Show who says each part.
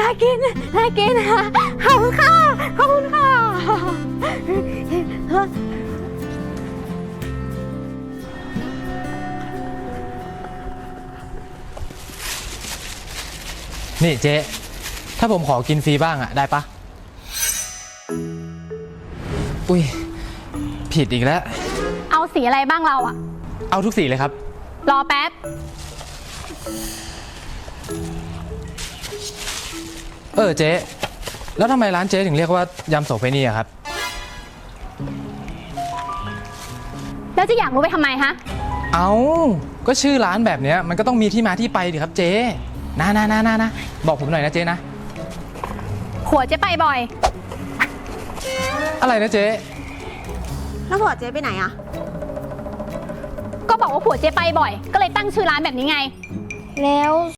Speaker 1: ากินน่ากินขอบคุณค่ะขอบคุณค่ะ
Speaker 2: นี่เจ๊ถ้าผมขอกินฟรีบ้างอะได้ปะอุ้ยผิดอีกแล้ว
Speaker 1: เอาสีอะไรบ้างเราอะ
Speaker 2: เอาทุกสีเลยครับ
Speaker 1: รอแป๊บ
Speaker 2: เจ๊แล้วทำไมร้านเจ๊ถึงเรียกว่ายำโสเภณีอะครับ
Speaker 1: แล้วจะอยากรู้ไปทำไมฮะ
Speaker 2: เอาก็ชื่อร้านแบบเนี้ยมันก็ต้องมีที่มาที่ไปดิครับเจ๊นะบอกผมหน่อยนะเจ๊นะ
Speaker 1: ผัวเจ๊ไปบ่อย
Speaker 2: อะไรนะเจ๊
Speaker 3: แล้วผัวเจ๊ไปไหนอะ
Speaker 1: ก็บอกว่าผัวเจ๊ไปบ่อยก็เลยตั้งชื่อร้านแบบนี้ไง
Speaker 3: แล้ว